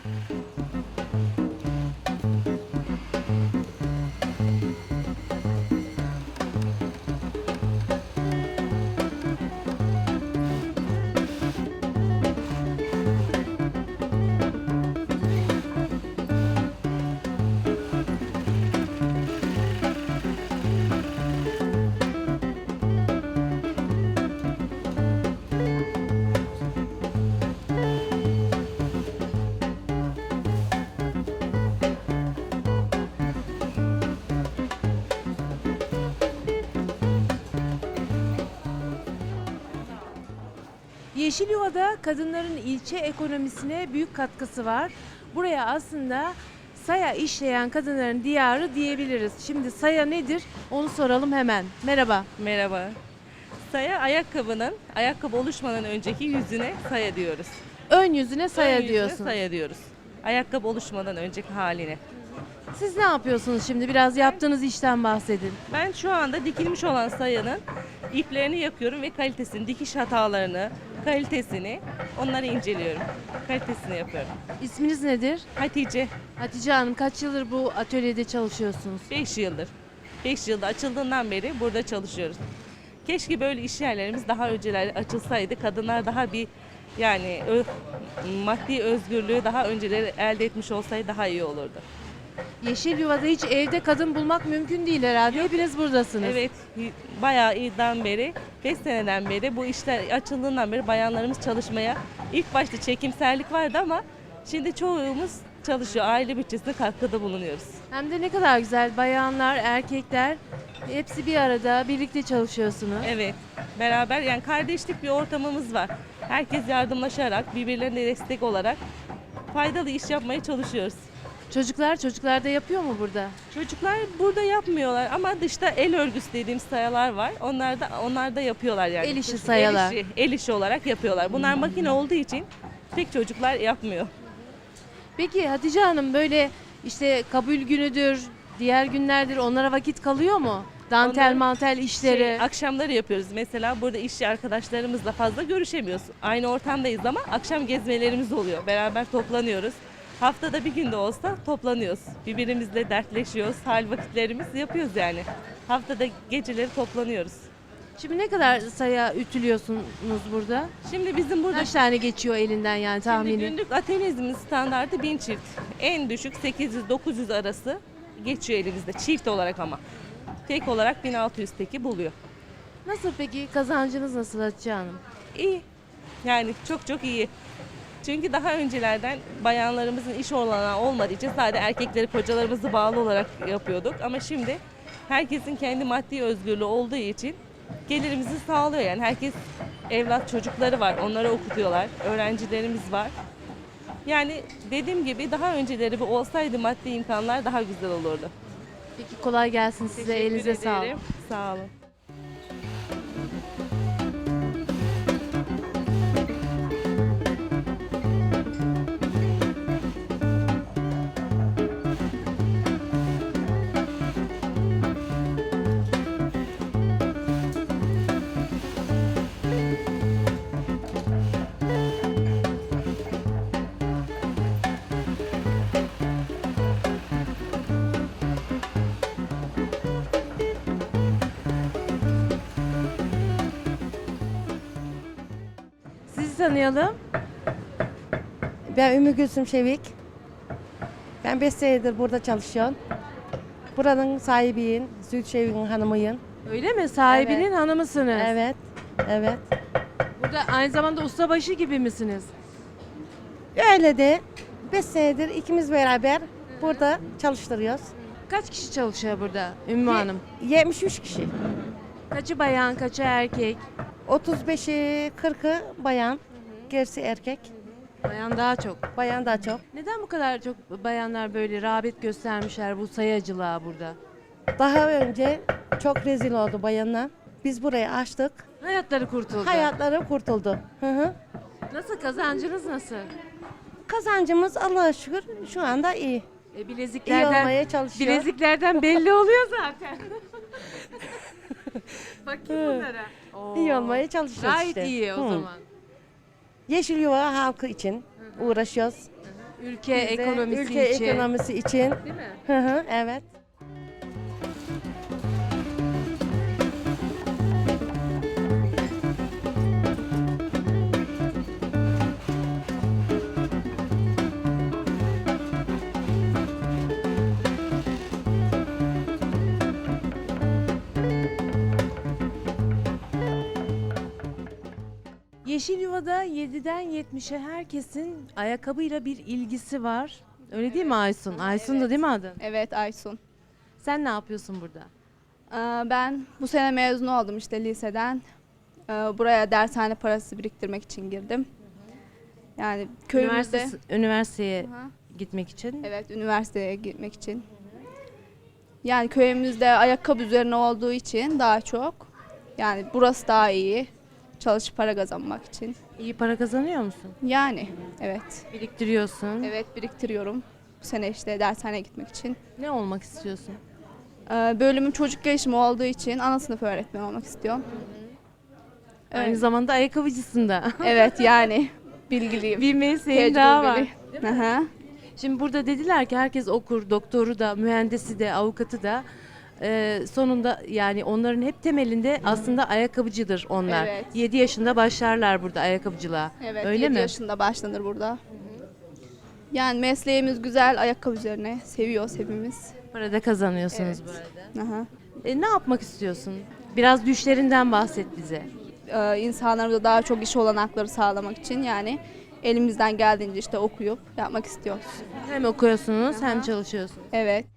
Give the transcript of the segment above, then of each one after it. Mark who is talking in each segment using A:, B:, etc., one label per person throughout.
A: Yeşilyuva'da kadınların ilçe ekonomisine büyük katkısı var. Buraya aslında saya işleyen kadınların diyarı diyebiliriz. Şimdi saya nedir? Onu soralım hemen. Merhaba.
B: Merhaba. Saya ayakkabı oluşmadan önceki yüzüne saya diyoruz.
A: Ön yüzüne saya
B: Ön yüzüne
A: diyorsun.
B: saya diyoruz. Ayakkabı oluşmadan önceki haline.
A: Siz ne yapıyorsunuz şimdi? Biraz yaptığınız işten bahsedin.
B: Ben şu anda dikilmiş olan sayanın iplerini yakıyorum ve kalitesini, dikiş hatalarını, kalitesini onları inceliyorum. Kalitesini yapıyorum.
A: İsminiz nedir?
B: Hatice
A: Hatice Hanım, kaç yıldır bu atölyede çalışıyorsunuz?
B: 5 yıldır. 5 yılda açıldığından beri burada çalışıyoruz. Keşke böyle iş yerlerimiz daha önceler açılsaydı. Kadınlar daha bir yani maddi özgürlüğü daha önceleri elde etmiş olsaydı daha iyi olurdu.
A: Yeşilyuva'da hiç evde kadın bulmak mümkün değil herhalde. Hepiniz buradasınız.
B: Evet, bayağı iyiden beri, 5 seneden beri bu işler açıldığından beri bayanlarımız çalışmaya, ilk başta çekimserlik vardı ama şimdi çoğumuz çalışıyor. Aile bütçesine katkıda bulunuyoruz.
A: Hem de ne kadar güzel. Bayanlar, erkekler hepsi bir arada birlikte çalışıyorsunuz.
B: Evet, beraber yani kardeşlik bir ortamımız var. Herkes yardımlaşarak, birbirlerine destek olarak faydalı iş yapmaya çalışıyoruz.
A: Çocuklar da yapıyor mu burada?
B: Çocuklar burada yapmıyorlar ama dışta el örgüsü dediğimiz sayalar var. Onlar da yapıyorlar yani.
A: El işi sayalar.
B: El işi olarak yapıyorlar. Bunlar makine olduğu için pek çocuklar yapmıyor.
A: Peki Hatice Hanım, böyle işte kabul günüdür, diğer günlerdir onlara vakit kalıyor mu? Dantel
B: Onların
A: mantel işleri.
B: Akşamları yapıyoruz. Mesela burada işçi arkadaşlarımızla fazla görüşemiyoruz. Aynı ortamdayız ama akşam gezmelerimiz oluyor. Beraber toplanıyoruz. Haftada bir günde olsa toplanıyoruz. Birbirimizle dertleşiyoruz. Hal vakitlerimiz yapıyoruz yani. Haftada geceleri toplanıyoruz.
A: Şimdi ne kadar saya ütülüyorsunuz burada?
B: Şimdi bizim burada
A: Kaç tane geçiyor elinden yani
B: şimdi
A: tahmini?
B: günlük atölyemizin standartı 1000 çift. En düşük 800-900 arası geçiyor elimizde çift olarak ama. Tek olarak 1600 teki buluyor.
A: Nasıl peki, kazancınız nasıl Hatice Hanım?
B: İyi. Yani çok iyi. Çünkü daha öncelerden bayanlarımızın iş olanağı olmadığı için sadece erkekleri, kocalarımızı bağlı olarak yapıyorduk. Ama şimdi herkesin kendi maddi özgürlüğü olduğu için gelirimizi sağlıyor. Yani herkes evlat çocukları var, onları okutuyorlar, öğrencilerimiz var. Yani dediğim gibi daha önceleri bu olsaydı maddi imkanlar daha güzel olurdu.
A: Peki, kolay gelsin size,
B: Teşekkür
A: elinize sağlık.
B: ederim. Sağ olun.
A: Sizi tanıyalım.
C: Ben Ümmü Gülsüm Şevik. Ben 5 senedir burada çalışıyorum. Buranın sahibiyim, Züht Şevik'in hanımıyım.
A: Öyle mi? Sahibinin
C: Evet.
A: hanımısınız.
C: Evet, evet.
A: Burada aynı zamanda ustabaşı gibi misiniz?
C: Öyle de 5 senedir ikimiz beraber burada çalıştırıyoruz.
A: Kaç kişi çalışıyor burada Ümmü Hanım?
C: 73 kişi.
A: Kaçı bayan, kaçı erkek?
C: 35'i 40'ı bayan, gerisi erkek.
A: Bayan daha çok.
C: Bayan daha çok.
A: Neden bu kadar çok bayanlar böyle rağbet göstermişler bu sayacılığa burada?
C: Daha önce çok rezil oldu bayanlar. Biz burayı açtık.
A: Hayatları kurtuldu.
C: Hayatları kurtuldu. Hı hı.
A: Nasıl, kazancınız nasıl?
C: Kazancımız Allah'a şükür şu anda iyi. İyi
A: Bileziklerden,
C: olmaya çalışıyor.
A: bileziklerden belli oluyor zaten. Bakayım bunlara. Oo.
C: İyi olmaya çalışıyoruz
A: Gayet
C: işte.
A: iyi o
C: Hı.
A: zaman.
C: Yeşilyuva halkı için uğraşıyoruz.
A: Ülke
C: Bize,
A: ekonomisi
C: ülke
A: için.
C: ekonomisi için.
A: Değil mi?
C: Hı hı, evet.
A: Yeşilyuva'da 7'den 70'e herkesin ayakkabıyla bir ilgisi var. Öyle değil mi Aysun? Aysun da değil mi adın?
D: Evet Aysun.
A: Sen ne yapıyorsun burada?
D: Ben bu sene mezun oldum işte liseden. Buraya dershane parası biriktirmek için girdim. Yani köyümüzde
A: Üniversiteye
D: Aha,
A: gitmek için.
D: evet üniversiteye gitmek için. Yani köyümüzde ayakkabı üzerine olduğu için daha çok. Yani burası daha iyi. Çalışıp para kazanmak için.
A: İyi para kazanıyor musun?
D: Yani evet.
A: Biriktiriyorsun.
D: Evet biriktiriyorum. Bu sene işte dershaneye gitmek için.
A: Ne olmak istiyorsun?
D: Bölümüm çocuk gelişimi olduğu için ana sınıf öğretmeni olmak istiyorum.
A: Aynı
D: Evet.
A: zamanda ayakkabıcısın da.
D: Evet yani bilgiliyim.
A: Bir mesleğin daha var.
D: Tecrübeli. Hı hı.
A: Şimdi burada dediler ki herkes okur, doktoru da, mühendisi de, avukatı da. Sonunda yani onların hep temelinde aslında ayakkabıcıdır onlar.
D: Evet.
A: 7 yaşında başlarlar burada ayakkabıcılığa.
D: Evet,
A: Öyle
D: 7
A: mi?
D: yaşında başlanır burada. Yani mesleğimiz güzel, ayakkabı üzerine. Seviyoruz hepimiz.
A: Para da kazanıyorsunuz
D: Evet.
A: bu arada.
D: Aha.
A: Ne yapmak istiyorsun? Biraz düşlerinden bahset bize.
D: İnsanlarımıza daha çok iş olanakları sağlamak için yani elimizden geldiğince işte okuyup yapmak istiyoruz.
A: Hem okuyorsunuz hem
D: Aha.
A: çalışıyorsunuz.
D: Evet.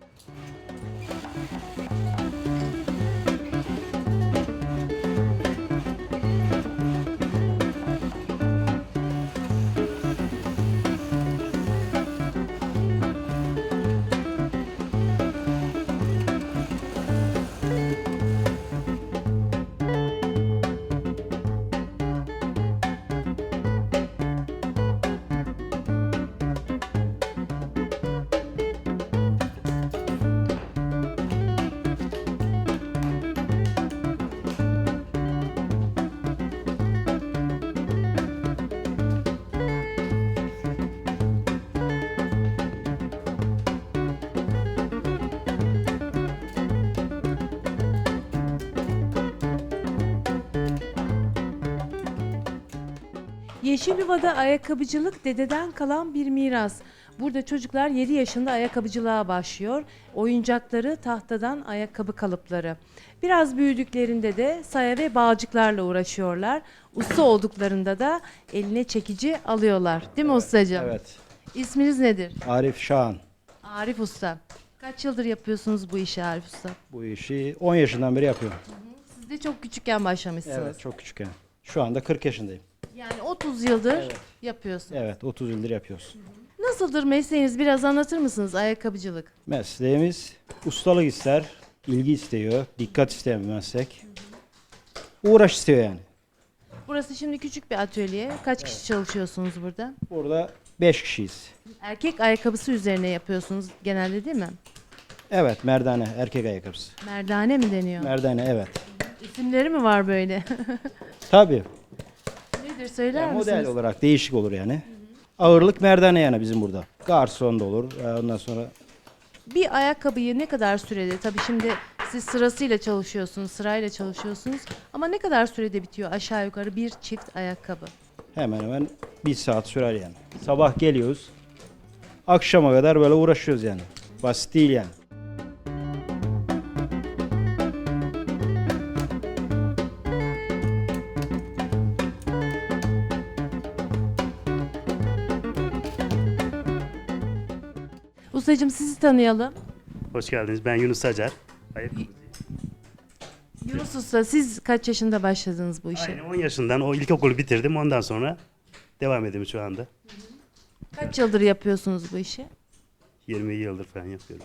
A: Yeşilyuva'da ayakkabıcılık dededen kalan bir miras. Burada çocuklar 7 yaşında ayakkabıcılığa başlıyor. Oyuncakları tahtadan ayakkabı kalıpları. Biraz büyüdüklerinde de saya ve bağcıklarla uğraşıyorlar. Usta olduklarında da eline çekici alıyorlar. Değil mi ustacığım?
E: Evet.
A: İsminiz nedir?
E: Arif Şahan.
A: Arif Usta. Kaç yıldır yapıyorsunuz bu işi Arif Usta?
E: Bu işi 10 yaşından beri yapıyorum.
A: Siz de çok küçükken başlamışsınız.
E: Evet, çok küçükken. Şu anda 40 yaşındayım.
A: Yani 30 yıldır
E: Evet.
A: yapıyorsunuz.
E: Evet, 30 yıldır yapıyoruz.
A: Nasıldır mesleğiniz? Biraz anlatır mısınız ayakkabıcılık?
E: Mesleğimiz ustalık ister, ilgi istiyor, dikkat isteyen bir meslek. Uğraş istiyor yani.
A: Burası şimdi küçük bir atölye. Kaç kişi çalışıyorsunuz burada?
E: Burada 5 kişiyiz.
A: Erkek ayakkabısı üzerine yapıyorsunuz genelde değil mi?
E: Evet, merdane, erkek ayakkabısı.
A: Merdane mi deniyor?
E: Merdane, evet.
A: İsimleri mi var böyle?
E: Tabii.
A: Nedir söyler
E: Yani model
A: misiniz?
E: olarak değişik olur yani. Ağırlık merdane yani bizim burada. Garson da olur. Ondan sonra
A: Bir ayakkabıyı ne kadar sürede? Tabii şimdi siz sırasıyla çalışıyorsunuz, sırayla çalışıyorsunuz. Ama ne kadar sürede bitiyor aşağı yukarı bir çift ayakkabı?
E: hemen hemen 1 saat sürer yani. Sabah geliyoruz. Akşama kadar böyle uğraşıyoruz yani. Basit değil yani.
A: Ustacığım sizi tanıyalım.
F: Hoş geldiniz. Ben Yunus Acar.
A: Yunus Usta siz kaç yaşında başladınız bu işe?
F: Aynen 10 yaşından o ilkokulu bitirdim. Ondan sonra devam ediyorum şu anda.
A: Kaç yıldır yapıyorsunuz bu işi?
F: 20 yıldır falan yapıyorum.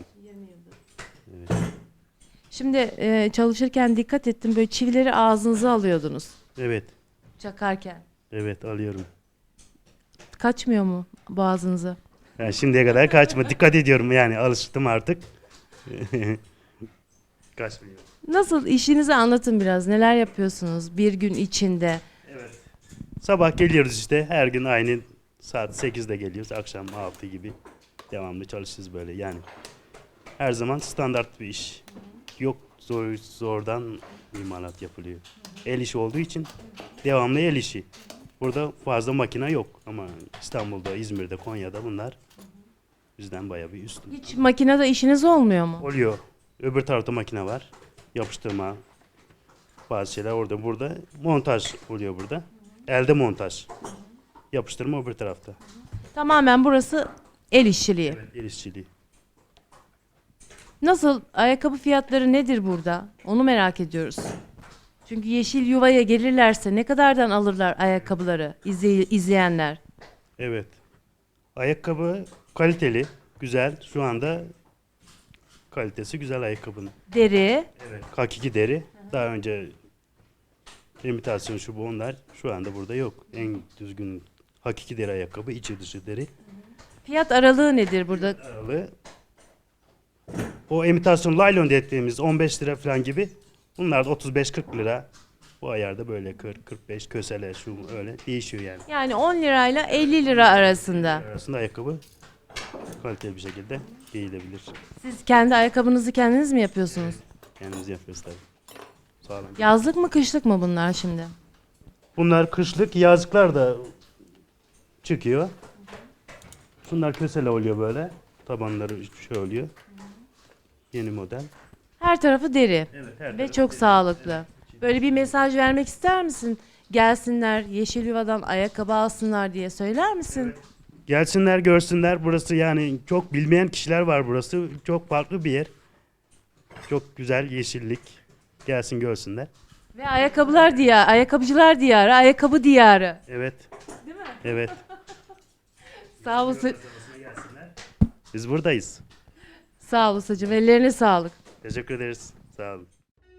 A: Şimdi çalışırken dikkat ettim böyle çivileri ağzınıza alıyordunuz
F: Evet.
A: çakarken.
F: Evet alıyorum.
A: Kaçmıyor mu boğazınıza?
F: Yani şimdiye kadar kaçma. Dikkat ediyorum yani alıştım artık. Kaçmıyor.
A: Nasıl işinizi anlatın biraz. Neler yapıyorsunuz bir gün içinde?
F: Sabah geliyoruz işte her gün aynı Saat 8'de geliyoruz. Akşam 6 gibi devamlı çalışırız böyle. Yani her zaman standart bir iş. Yok zordan imalat yapılıyor. El işi olduğu için devamlı el işi. Burada fazla makine yok ama İstanbul'da, İzmir'de, Konya'da bunlar bizden bayağı bir üstün.
A: Hiç makinede işiniz olmuyor mu?
F: Oluyor. Öbür tarafta makine var. Yapıştırma, bazı şeyler orada. Burada montaj oluyor burada. Elde montaj. Yapıştırma öbür tarafta.
A: Tamamen burası el işçiliği.
F: El işçiliği.
A: Nasıl? Ayakkabı fiyatları nedir burada? Onu merak ediyoruz. Çünkü Yeşil Yuva'ya gelirlerse ne kadardan alırlar ayakkabıları izleyenler?
F: Evet. Ayakkabı kaliteli, güzel. Şu anda kalitesi güzel ayakkabının.
A: Deri.
F: Evet. Hakiki deri. Daha önce imitasyon şu bu onlar şu anda burada yok. En düzgün hakiki deri ayakkabı, içi dışı deri.
A: Fiyat aralığı nedir burada?
F: Aralığı. O imitasyon laylon dediğimiz 15 lira falan gibi. Bunlar da 35-40 lira. Bu ayarda böyle 40-45 kösele şu öyle değişiyor yani.
A: Yani 10 lirayla 50 lira arasında.
F: Arasında ayakkabı kaliteli bir şekilde giyilebilir.
A: Siz kendi ayakkabınızı kendiniz mi yapıyorsunuz?
F: Kendimiz yapıyoruz tabii. Sağlam.
A: Yazlık mı kışlık mı bunlar şimdi?
F: Bunlar kışlık, yazlıklar da çıkıyor. Şunlar kösele oluyor böyle. Tabanları şey oluyor. Yeni model.
A: Her tarafı deri
F: Evet, her
A: ve
F: tarafı
A: çok
F: deri.
A: sağlıklı. Böyle bir mesaj vermek ister misin? Gelsinler Yeşil Yuva'dan ayakkabı alsınlar diye söyler misin?
F: Gelsinler görsünler. Burası yani çok bilmeyen kişiler var burası. Çok farklı bir yer. Çok güzel yeşillik. Gelsin görsünler.
A: Ve ayakkabılar diyarı, ayakkabıcılar diyarı, ayakkabı diyarı.
F: Evet. Değil mi? Evet.
A: Sağ ol,
F: Biz buradayız.
A: sağ ol Usacığım. Ellerine sağlık.
F: Teşekkür ederiz. Sağ olun.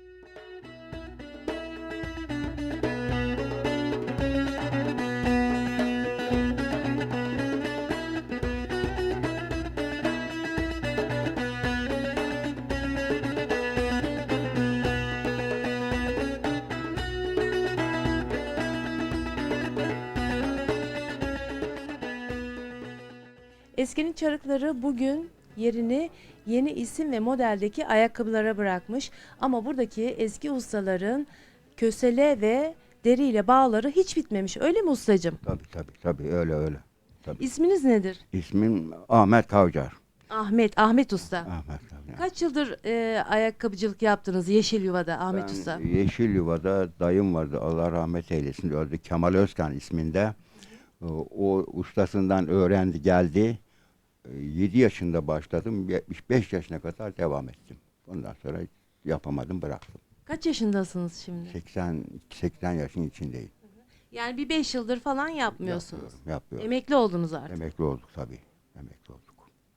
A: Eskinin çarıkları bugün yerini yeni isim ve modeldeki ayakkabılara bırakmış. Ama buradaki eski ustaların kösele ve deriyle bağları hiç bitmemiş. Öyle mi ustacığım?
G: Tabii öyle. Tabii.
A: İsminiz nedir?
G: İsmim Ahmet Kavcar.
A: Ahmet Usta.
G: Ahmet Kavcar.
A: Kaç yıldır ayakkabıcılık yaptınız Yeşil Yuva'da Ahmet
G: Ben
A: Usta?
G: Yeşil Yuva'da dayım vardı. Allah rahmet eylesin. Öldü. Kemal Özkan isminde. O ustasından öğrendi geldi. 7 yaşında başladım. 75 yaşına kadar devam ettim. Ondan sonra yapamadım bıraktım.
A: Kaç yaşındasınız şimdi?
G: 80 yaşın içindeyim.
A: Yani bir 5 yıldır falan yapmıyorsunuz.
G: Yapıyorum.
A: Emekli oldunuz artık.
G: Emekli olduk tabii. Emekli olduk.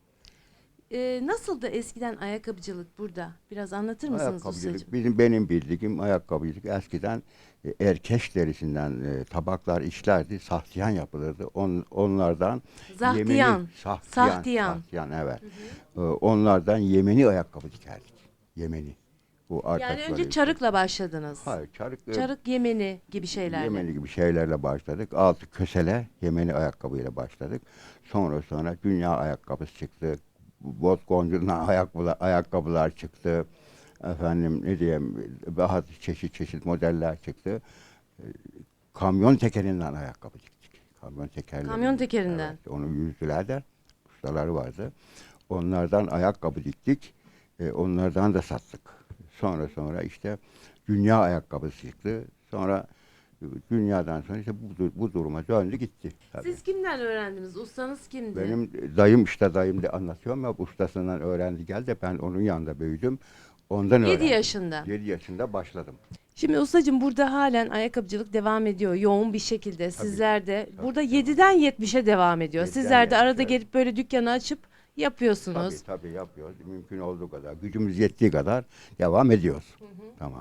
A: Nasıldı eskiden ayakkabıcılık burada? Biraz anlatır mısınız ustacığım?
G: Ayakkabıcılık benim bildiğim ayakkabıcılık eskiden erkeş derisinden tabaklar işlerdi, sahtiyan yapılırdı. Onlardan
A: Zahtiyan.
G: Sahtiyan evet. Onlardan Yemeni ayakkabı dikerdik. Yemeni. Bu
A: Yani
G: arkadaşlar
A: önce
G: için.
A: çarıkla başladınız.
G: Hayır, çarık
A: Çarık Yemeni gibi şeylerle.
G: Yemeni gibi şeylerle başladık. Altı kösele Yemeni ayakkabıyla başladık. Sonra dünya ayakkabısı çıktı. Bot goncundan ayakkabılar çıktı. Efendim ne diyeyim daha çeşit modeller çıktı. Kamyon tekerinden ayakkabı diktik. Kamyon tekerleri.
A: Kamyon tekerinden.
G: Evet, onu yüzdüler de ustaları vardı. Onlardan ayakkabı diktik. Onlardan da sattık. Sonra işte dünya ayakkabısı çıktı. Sonra dünyadan sonra işte bu duruma döndü gitti. Tabii.
A: Siz kimden öğrendiniz? Ustanız kimdi?
G: Benim dayım da anlatıyorum ya ustasından öğrendi geldi. Ben onun yanında büyüdüm. Ondan
A: 7
G: öğrendim.
A: yaşında.
G: 7 yaşında başladım.
A: Şimdi ustacığım burada halen ayakkabıcılık devam ediyor yoğun bir şekilde. Sizler de burada 7'den 70'e devam ediyor.
G: 7'den
A: Sizler de arada
G: 70'e.
A: gelip böyle dükkanı açıp yapıyorsunuz.
G: Tabii yapıyoruz. Mümkün olduğu kadar, gücümüz yettiği kadar devam ediyoruz. Tamam.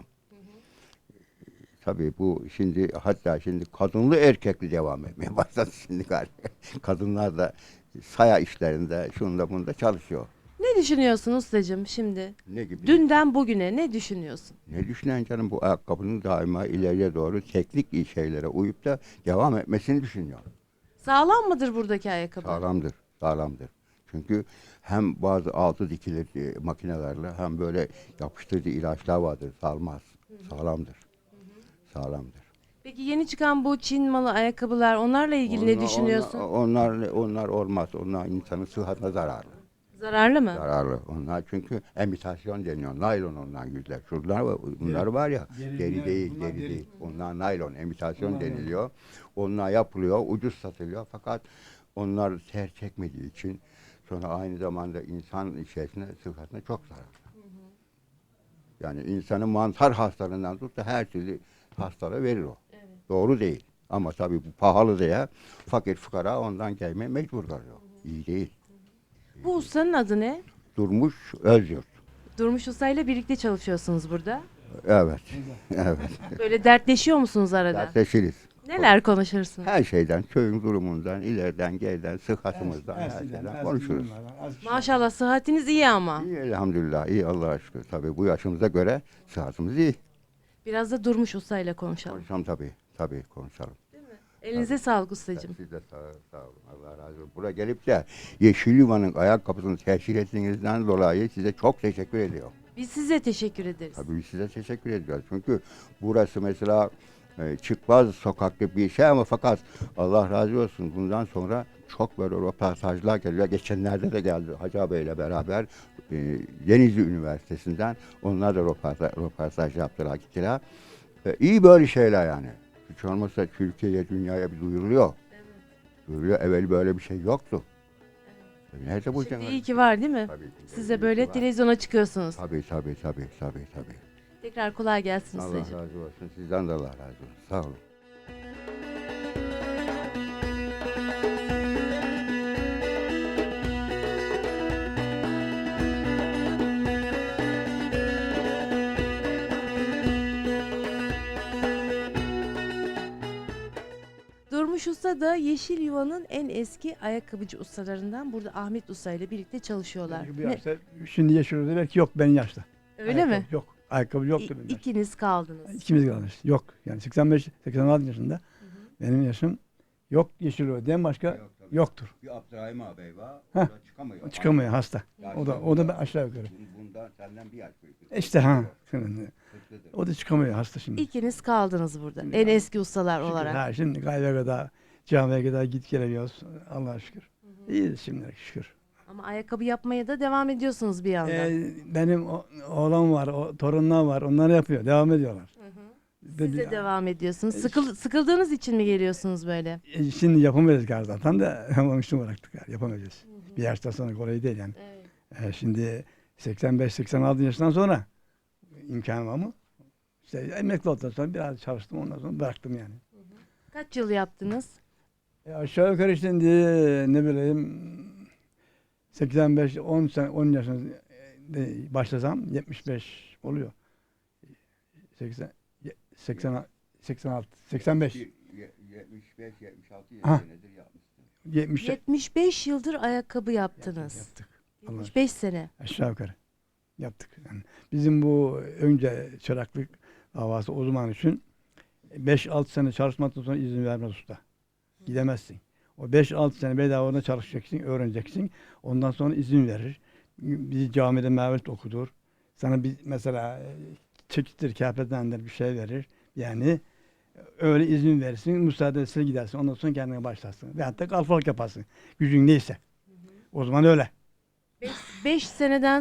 G: Tabii bu hatta şimdi kadınlı erkekli devam etmeye başladı şimdi galiba. Kadınlar da saya işlerinde şunda bunda çalışıyor.
A: Ne düşünüyorsun ustacığım şimdi?
G: Ne gibi?
A: Dünden bugüne ne düşünüyorsun?
G: Ne düşünen canım bu ayakkabının daima ileriye doğru teknik şeylere uyup da devam etmesini düşünüyor.
A: Sağlam mıdır buradaki ayakkabı?
G: Sağlamdır, sağlamdır. Çünkü hem bazı altı dikilir makinelerle hem böyle yapıştırıcı ilaçlar vardır, salmaz. Sağlamdır. Sağlamdır.
A: Peki yeni çıkan bu Çin malı ayakkabılar, onlarla ilgili ne düşünüyorsun?
G: Onlar olmaz. Onlar insanın sıhhatine zararlı.
A: Zararlı mı?
G: Zararlı. Onlar çünkü imitasyon deniyor. Naylon onlar güzel. Bunlar var ya, deri değil. Onlar naylon, imitasyon deniliyor. Onlar yapılıyor, ucuz satılıyor. Fakat onlar ter çekmediği için sonra aynı zamanda insan içerisine, sıhhatine çok zararlı. Yani insanın mantar hastalığından tut da her türlü hastalığı verir o. Doğru değil. Ama tabii bu pahalı diye fakir fukara ondan gelmeye mecbur kalıyor. İyi değil.
A: Bu ustanın adı ne?
G: Durmuş Özyurt.
A: Durmuş Usta ile birlikte çalışıyorsunuz burada.
G: Evet. Evet.
A: Böyle dertleşiyor musunuz arada?
G: Dertleşiriz.
A: Neler konuşursunuz?
G: Her şeyden, köyün durumundan, ileriden, geriden, sıhhatımızdan, her şeyden konuşuruz.
A: Maşallah sıhhatiniz iyi ama.
G: İyi elhamdülillah, iyi Allah'a şükür. Tabii bu yaşımıza göre sıhhatimiz iyi.
A: Biraz da Durmuş Usta ile konuşalım.
G: Konuşalım tabii konuşalım.
A: Elinize sağlık ustacığım.
G: Siz de sağ olun, Allah razı olsun. Buraya gelip de Yeşilyuva'nın ayakkabısını teşhir ettiğinizden dolayı size çok teşekkür ediyorum.
A: Biz size teşekkür ederiz.
G: Tabii biz size teşekkür ediyoruz. Çünkü burası mesela çıkmaz sokaklı bir şey ama fakat Allah razı olsun bundan sonra çok böyle röportajlar geliyor. Geçenlerde de geldi Hacı Bey'le beraber Denizli Üniversitesi'nden onlar da röportaj yaptılar gittiler. İyi böyle şeyler yani. Hiç olmazsa Türkiye'ye, dünyaya bir duyuruluyor. Duyuruluyor. Evvel böyle bir şey yoktu. Nerede bu
A: Şimdi iyi ki var değil mi?
G: Tabii ki.
A: Siz de
G: İyi
A: böyle
G: ki var.
A: televizyona çıkıyorsunuz.
G: Tabii.
A: Tekrar kolay gelsin
G: Allah
A: ustacığım.
G: razı olsun. Sizden de Allah razı olsun. Sağ olun.
A: Durmuş Usta da Yeşil Yuva'nın en eski ayakkabıcı ustalarından. Burada Ahmet Usta ile birlikte çalışıyorlar.
H: Bu yaşta, şimdi yaşıyoruz belki yok benim yaşta.
A: Öyle mi?
H: Ayakkabı yok. Ayakkabı yoktu benim yaşta.
A: İkiniz kaldınız.
H: İkimiz kalmış. Yok. Yani 85-86 yaşında benim yaşım yok Yeşilyura'dan başka yoktur.
G: Bir Abdurrahim ağabey var.
H: Heh.
G: O da çıkamıyor.
H: Çıkamıyor hasta.
G: Yaşlı
H: O da aşağı yukarı.
G: Bundan senden bir yaş büyük.
H: İşte şimdi.
G: Kırklıdır.
H: O da çıkamıyor hasta şimdi.
A: İkiniz kaldınız burada.
H: Şimdi
A: En
H: kaldık.
A: eski ustalar
H: Şükür.
A: olarak.
H: Ha, şimdi gaybe kadar camiye kadar git gelebiliyoruz. Allah'a şükür. İyiyiz şimdi şükür.
A: Ama ayakkabı yapmaya da devam ediyorsunuz bir yandan.
H: Benim oğlan var, torunlar var. Onlar yapıyor. Devam ediyorlar.
A: Siz de devam ediyorsunuz. Sıkıldığınız için mi geliyorsunuz böyle?
H: Şimdi yapamayız galiba zaten de onun için bıraktık yani yapamayacağız. Bir yaştan sonra kolay değil yani. Şimdi 85-86 yaşından sonra imkanım var mı? İşte emekli olduktan sonra biraz çalıştım ondan sonra bıraktım yani.
A: Kaç yıl yaptınız?
H: Aşağı yukarı şimdi ne bileyim 85-10 sene 10 yaşında başlasam 75 oluyor. 86 85
G: 75-76
H: Ha.
G: yaş nedir yapmışsın?
H: 70
A: 75 yıldır ayakkabı yaptınız.
H: yaptık. Allah
A: 75 sene.
H: aşağı yukarı yaptık. Yani bizim bu önce çıraklık davası o zaman için 5-6 sene çalışmaktan sonra izin vermez usta. Gidemezsin. O 5-6 sene bedava orada çalışacaksın, öğreneceksin. Ondan sonra izin verir. Bir camide mevlüt okudur. Sana bir mesela çekittir, kâfetendir bir şey verir. Yani öyle izin verirsin, müsaadesiyle gidersin. Ondan sonra kendine başlarsın. Veyahut da kalfalık yaparsın. Gücün neyse. O zaman öyle.
A: 5 seneden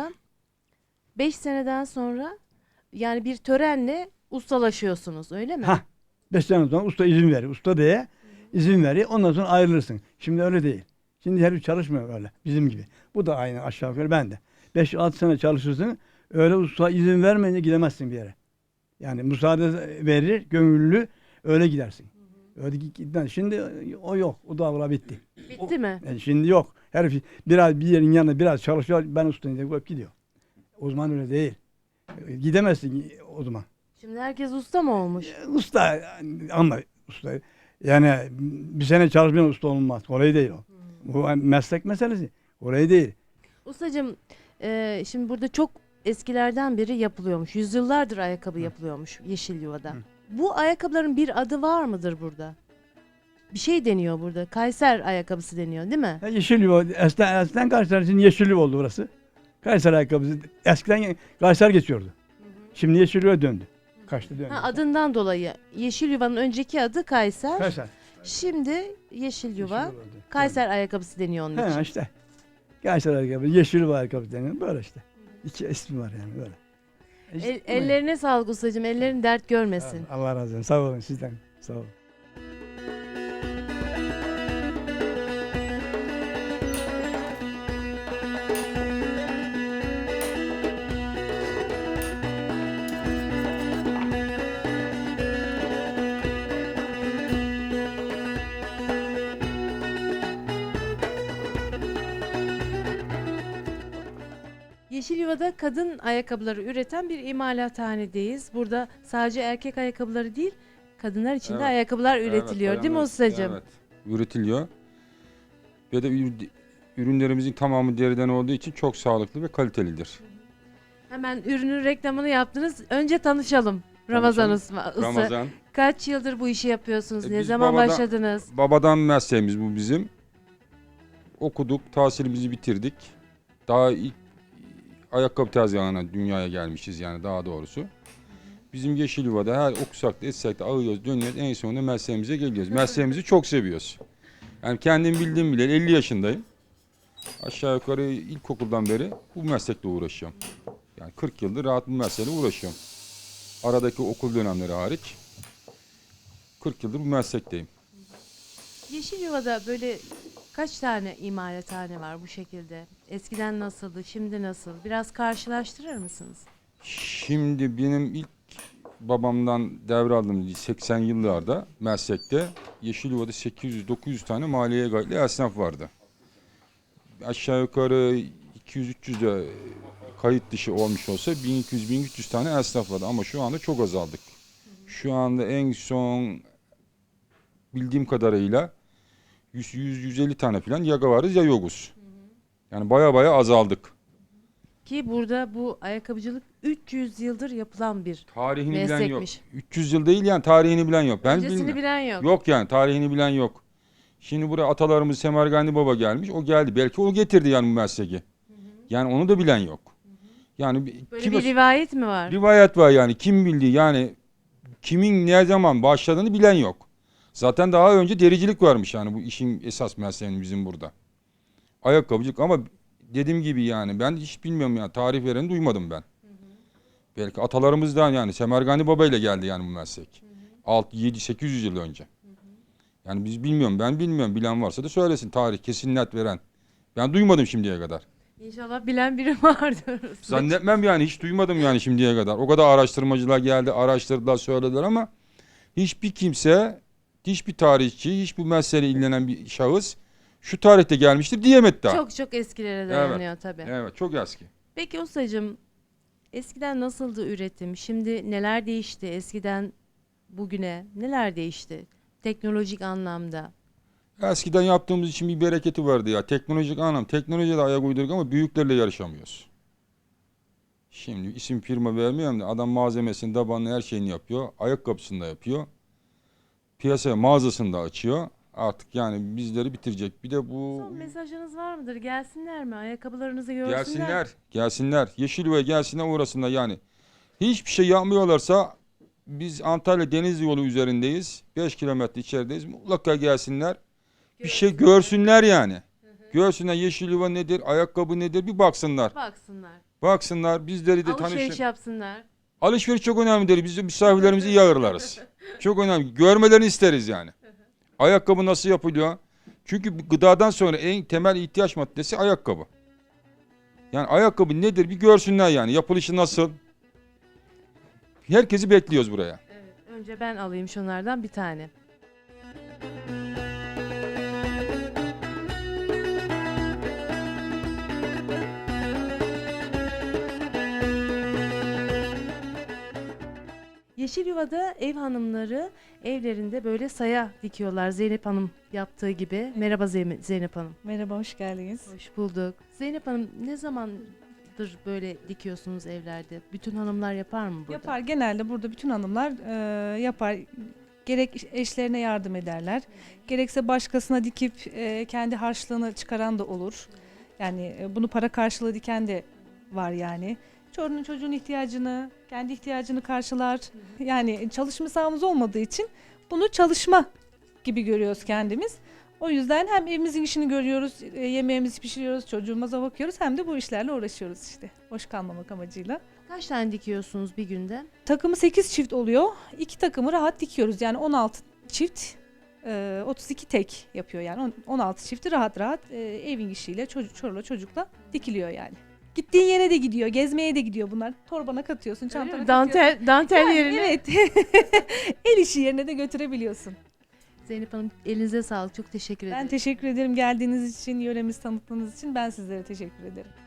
A: sonra yani bir törenle ustalaşıyorsunuz öyle mi?
H: Ha. 5 sene sonra usta izin verir. Usta diye izin verir. Ondan sonra ayrılırsın. Şimdi öyle değil. Şimdi herif çalışmıyor öyle. Bizim gibi. Bu da aynı aşağı yukarı ben de. 5-6 sene çalışırsın. Öyle usta izin vermeyince gidemezsin bir yere. Yani müsaade verir, gönüllü öyle gidersin. Öyle gitmez. Şimdi o yok. O davra bitti.
A: Bitti mi?
H: Yani şimdi yok. Herif biraz bir yerin yanında biraz çalışıyor. Ben ustayım diye koyup gidiyor. O zaman öyle değil. Gidemezsin o zaman.
A: Şimdi herkes usta mı olmuş?
H: Usta ama usta yani bir sene çalışmayan usta olmaz. Kolay değil o. Bu meslek meselesi. Kolay değil.
A: Ustacığım şimdi burada çok eskilerden beri yapılıyormuş. Yüzyıllardır ayakkabı yapılıyormuş Yeşilyuva'da. Bu ayakkabıların bir adı var mıdır burada? bir şey deniyor burada. Kayser ayakkabısı deniyor değil mi?
H: Ha, Yeşilyuva, eskiden Kayseri için Yeşilyuva oldu burası. Kayseri ayakkabısı. Eskiden Kayseri geçiyordu. Şimdi Yeşilyuva döndü. Kaçtı döndü.
A: Ha, adından dolayı. Yeşilyuva'nın önceki adı Kayser.
H: Kayseri.
A: Şimdi Yeşilyuva,
H: Yeşilyuva oldu.
A: Kayser ayakkabısı deniyor onun için.
H: Ha işte. Kayseri ayakkabısı, Yeşilyuva ayakkabısı deniyor. Böyle işte. İki ismi var yani böyle. İşte bu.
A: Ellerine sağlık ustacığım. Ellerin dert görmesin.
H: Allah razı olsun. Sağ olun sizden. Sağ olun.
A: Yeşilyuva'da kadın ayakkabıları üreten bir imalathanedeyiz. Burada sadece erkek ayakkabıları değil, kadınlar için de
I: Evet.
A: ayakkabılar üretiliyor değil mi ustacığım?
I: Evet, üretiliyor. Ve de ürünlerimizin tamamı deriden olduğu için çok sağlıklı ve kalitelidir.
A: Hemen ürünün reklamını yaptınız. Önce tanışalım. Ramazan usta.
I: Ramazan.
A: Kaç yıldır bu işi yapıyorsunuz? Ne
I: Biz
A: zaman başladınız?
I: Babadan mesleğimiz bu bizim. Okuduk, tahsilimizi bitirdik. Daha ilk ayakkabı tezgahına dünyaya gelmişiz yani daha doğrusu. Bizim Yeşilyuva'da her okusak da etsek de ağıyoruz, dönüyoruz. En sonunda mesleğimize geliyoruz. Mesleğimizi çok seviyoruz. Yani kendim bildiğim bile 50 yaşındayım. Aşağı yukarı ilkokuldan beri bu meslekle uğraşıyorum. Yani 40 yıldır rahat bu mesleğle uğraşıyorum. Aradaki okul dönemleri hariç 40 yıldır bu meslekteyim.
A: Yeşilyuva'da böyle kaç tane imalathane var bu şekilde? Eskiden nasıldı, şimdi nasıl? Biraz karşılaştırır mısınız?
I: Şimdi benim ilk babamdan devraldığım 80 yıllarda meslekte Yeşilyuva'da 800-900 tane maliye kayıtlı esnaf vardı. Aşağı yukarı 200-300 de kayıt dışı olmuş olsa 1200-1300 tane esnaf vardı ama şu anda çok azaldık. Şu anda en son bildiğim kadarıyla 100-150 tane falan yaga varız ya yokuz. Yani baya azaldık.
A: Ki burada bu ayakkabıcılık 300 yıldır yapılan bir
I: Tarihini bilen yok.
A: meslekmiş.
I: 300 yıl değil yani tarihini bilen yok. Ben
A: Öncesini
I: bilmiyorum.
A: bilen yok.
I: Yok yani tarihini bilen yok. Şimdi buraya atalarımız Semergandi Baba gelmiş. O geldi. Belki o getirdi yani bu mesleği. Yani onu da bilen yok. Yani
A: Böyle bir rivayet mi var?
I: rivayet var yani. Kim bildi yani kimin ne zaman başladığını bilen yok. Zaten daha önce dericilik varmış yani bu işin esas mesleğinin bizim burada. Ayakkabıcılık ama dediğim gibi yani ben hiç bilmiyorum yani tarih vereni duymadım ben. Belki atalarımızdan yani Semergandi Baba ile geldi yani bu meslek. 6 7 800 yıl önce. Yani biz bilmiyorum ben bilmiyorum bilen varsa da söylesin tarih kesin net veren. Ben duymadım şimdiye kadar.
A: İnşallah bilen biri vardır.
I: Zannetmem yani hiç duymadım yani şimdiye kadar. O kadar araştırmacılar geldi araştırdılar söylediler ama hiçbir kimse hiçbir tarihçi hiç bu meseleyle ilgilenen bir şahıs şu tarihte gelmiştir diyemedi daha.
A: Çok çok eskilere dayanıyor tabii.
I: Evet çok eski.
A: Peki ustacığım eskiden nasıldı üretim? Şimdi neler değişti? Eskiden bugüne neler değişti? Teknolojik anlamda.
I: Eskiden yaptığımız için bir bereketi vardı ya. Teknolojik anlam. Teknolojiye de ayak uydurduk ama büyüklerle yarışamıyoruz. Şimdi isim firma vermiyorum da adam malzemesini, tabanını her şeyini yapıyor. Ayakkabısını da yapıyor. Piyasaya mağazasını da açıyor. Artık yani bizleri bitirecek. Bir de bu...
A: Son mesajınız var mıdır? Gelsinler mi? Ayakkabılarınızı görsünler.
I: Gelsinler. Yeşilyuva'ya gelsinler uğrasınlar yani. Hiçbir şey yapmıyorlarsa biz Antalya Denizli yolu üzerindeyiz. 5 kilometre içerideyiz. Mutlaka gelsinler. Bir şey görsünler yani. Görsünler Yeşilyuva nedir, ayakkabı nedir bir baksınlar. Baksınlar bizleri de
A: Alışveriş
I: tanışın.
A: yapsınlar.
I: Alışveriş çok önemlidir. Biz de misafirlerimizi iyi ağırlarız. Çok önemli. Görmelerini isteriz yani. Ayakkabı nasıl yapılıyor? Çünkü gıdadan sonra en temel ihtiyaç maddesi ayakkabı. Yani ayakkabı nedir bir görsünler yani. Yapılışı nasıl? Herkesi bekliyoruz buraya.
A: Evet, önce ben alayım şunlardan bir tane. Yeşilyuva'da ev hanımları evlerinde böyle saya dikiyorlar. Zeynep Hanım yaptığı gibi. Merhaba Zeynep Hanım.
J: Merhaba, hoş geldiniz.
A: Hoş bulduk. Zeynep Hanım ne zamandır böyle dikiyorsunuz evlerde? Bütün hanımlar yapar mı burada?
J: Yapar, genelde burada bütün hanımlar yapar. Gerek eşlerine yardım ederler, gerekse başkasına dikip kendi harçlığını çıkaran da olur. Yani bunu para karşılığı diken de var yani. Çoluğunun çocuğun ihtiyacını, kendi ihtiyacını karşılar. Yani çalışma sahamız olmadığı için bunu çalışma gibi görüyoruz kendimiz. O yüzden hem evimizin işini görüyoruz, yemeğimizi pişiriyoruz, çocuğumuza bakıyoruz hem de bu işlerle uğraşıyoruz işte. Boş kalmamak amacıyla.
A: Kaç tane dikiyorsunuz bir günde?
J: Takımı 8 çift oluyor. 2 takımı rahat dikiyoruz. Yani 16 çift, 32 tek yapıyor yani. 16 çifti rahat rahat evin işiyle, çorla çocukla dikiliyor yani. Gittiğin yere de gidiyor, gezmeye de gidiyor bunlar. Torbana katıyorsun, çantana katıyorsun.
A: Dantel
J: Yani
A: yerine.
J: evet. El işi yerine de götürebiliyorsun.
A: Zeynep Hanım elinize sağlık. Çok teşekkür ederim.
J: Ben teşekkür ederim geldiğiniz için, yöremizi tanıttığınız için. Ben sizlere teşekkür ederim.